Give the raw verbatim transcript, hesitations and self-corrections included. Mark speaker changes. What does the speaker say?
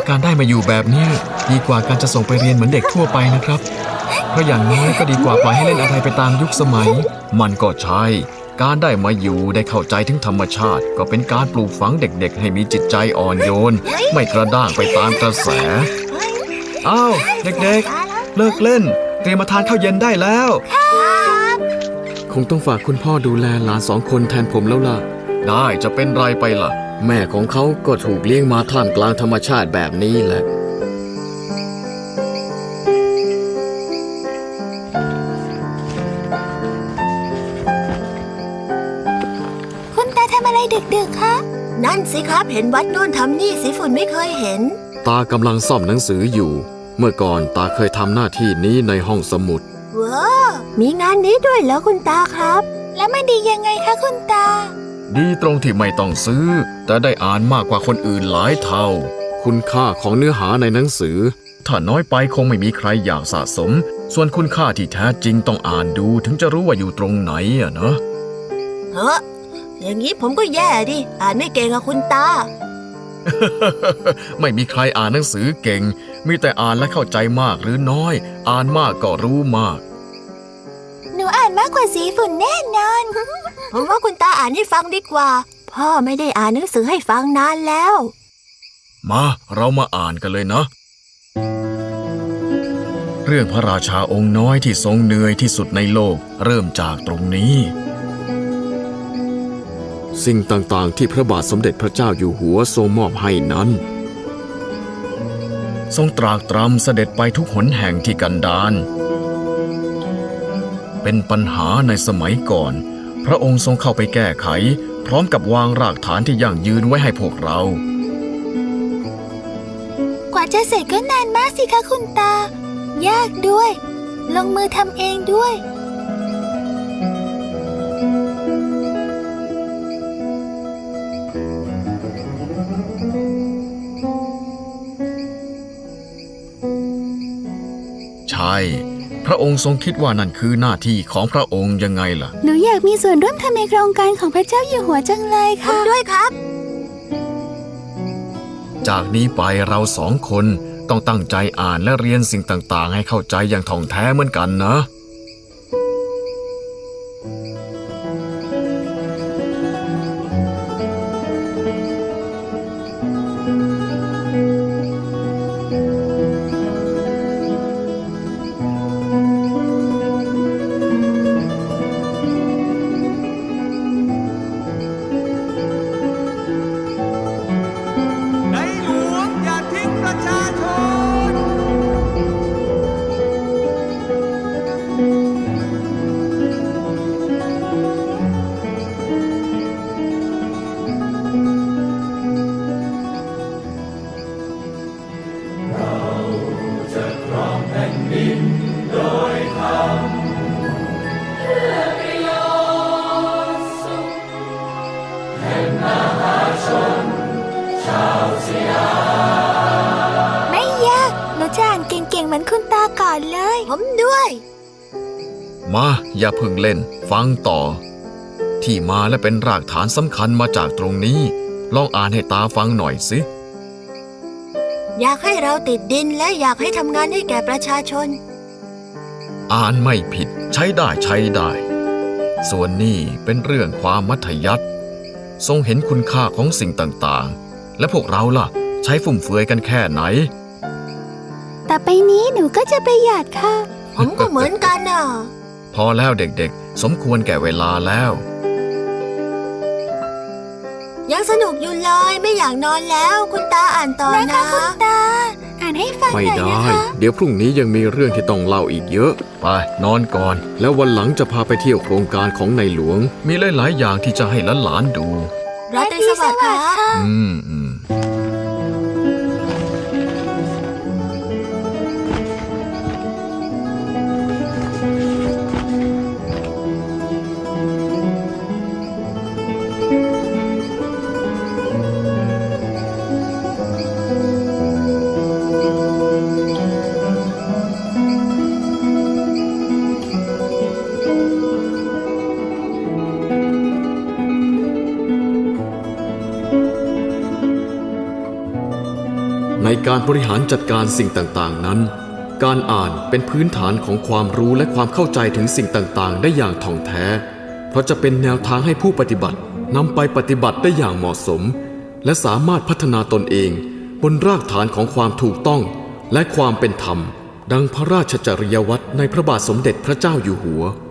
Speaker 1: การได้มาอยู่แบบนี้ดีกว่าการจะส่งไปเรียนเหมือนเด็กทั่วไปนะครับเพราะอย่างน้อยก็ดีกว่าปล่อยให้เล่นอะไรไปตามยุคสมัยมันก็ใช่การได้มาอยู่ได้เข้าใจถึงธรรมชาติก็เป็นการปลูกฝังเด็กๆให้มีจิตใจอ่อนโยนไม่กระด้างไปตามกระแสอ้าวเด็กๆเลิกเล่นเตรียมมาทานข้าวเย็นได้แล้วคงต้องฝากคุณพ่อดูแลหลานสองคนแทนผมแล้วล่ะได้จะเป็นไรไปล่ะแม่ของเขาก็ถูกเลี้ยงมาท่ามกลางธรรมชาติแบบนี้แหละ
Speaker 2: คุณตาทำอะไรดึกๆคะนั่นสิครับเห็นวัดโน่นทำนี่สีฝุ่นไม่เคยเห็น
Speaker 1: ตากำลังซ่อมหนังสืออยู่เมื่อก่อนตาเคยทำหน้าที่นี้ในห้องสมุด
Speaker 2: ว้ามีงานนี้ด้วยเหรอคุณตาครับแล้วมันดียังไงคะคุณตา
Speaker 1: ดีตรงที่ไม่ต้องซื้อแต่ได้อ่านมากกว่าคนอื่นหลายเท่าคุณค่าของเนื้อหาในหนังสือถ้าน้อยไปคงไม่มีใครอยากสะสมส่วนคุณค่าที่แท้จริงต้องอ่านดูถึงจะรู้ว่าอยู่ตรงไหนอะนะ
Speaker 2: เฮ้ออย่างนี้ผมก็แย่ดิอ่านไม่เก่งอะคุณตา
Speaker 1: ไม่มีใครอ่านหนังสือเก่งมีแต่อ่านและเข้าใจมากหรือน้อยอ่านมากก็รู้มาก
Speaker 2: หนูอ่านมากกว่าสีฝุ่นแน่นอน ผมว่าคุณตาอ่านให้ฟังดีกว่าพ่อไม่ได้อ่านหนังสือให้ฟังนานแล้ว
Speaker 1: มาเรามาอ่านกันเลยนะเรื่องพระราชาองค์น้อยที่ทรงเหนื่อยที่สุดในโลกเริ่มจากตรงนี้สิ่งต่างๆที่พระบาทสมเด็จพระเจ้าอยู่หัวทรงมอบให้นั้นทรงตรากตรำเสด็จไปทุกหนแห่งที่กันดารเป็นปัญหาในสมัยก่อนพระองค์ทรงเข้าไปแก้ไขพร้อมกับวางรากฐานที่ยั่งยืนไว้ให้พวกเรา
Speaker 2: กว่าจะเสร็จก็นานมากสิคะคุณตายากด้วยลงมือทำเองด้วย
Speaker 1: ใช่พระองค์ทรงคิดว่านั่นคือหน้าที่ของพระองค์ยังไงล่ะ
Speaker 2: หนูอยากมีส่วนร่วมทำในโครงการของพระเจ้าอยู่หัวจังเลยค่ะผมด้วยครับ
Speaker 1: จากนี้ไปเราสองคนต้องตั้งใจอ่านและเรียนสิ่งต่างๆให้เข้าใจอย่างท่องแท้เหมือนกันนะ
Speaker 2: เหมือนคุณตาก่อนเลยผมด้วย
Speaker 1: มาอย่าเพิ่งเล่นฟังต่อที่มาและเป็นรากฐานสำคัญมาจากตรงนี้ลองอ่านให้ตาฟังหน่อยสิ
Speaker 2: อยากให้เราติดดินและอยากให้ทำงานให้แก่ประชาชน
Speaker 1: อ่านไม่ผิดใช้ได้ใช้ได้ส่วนนี้เป็นเรื่องความมัธยัสถ์ทรงเห็นคุณค่าของสิ่งต่างๆและพวกเราล่ะใช้ฟุ่มเฟือยกันแค่ไหน
Speaker 2: ต่อไปนี้หนูก็จะประหยัดค่ะผมก็เหมือนกันน่ะ
Speaker 1: พอแล้วเด็กๆสมควรแก่เวลาแล้ว
Speaker 2: ยังสนุกอยู่เลยไม่อยากนอนแล้วคุณตาอ่านต่อนะคุณตาอ่านให้ฟังหน่อยนะคะ
Speaker 1: ไม่ได้เดี๋ยวพรุ่งนี้ยังมีเรื่องที่ต้องเล่าอีกเยอะไปนอนก่อนแล้ววันหลังจะพาไปเที่ยวโครงการของในหลวงมีหลายๆอย่างที่จะให้หลานๆดู
Speaker 2: ราตรีสวัสดิ์ค่ะ
Speaker 1: อืมอืมในการบริหารจัดการสิ่งต่างๆนั้นการอ่านเป็นพื้นฐานของความรู้และความเข้าใจถึงสิ่งต่างๆได้อย่างถ่องแท้เพราะจะเป็นแนวทางให้ผู้ปฏิบัตินำไปปฏิบัติได้อย่างเหมาะสมและสามารถพัฒนาตนเองบนรากฐานของความถูกต้องและความเป็นธรรมดังพระราชจริยวัตรในพระบาทสมเด็จพระเจ้าอยู่หัว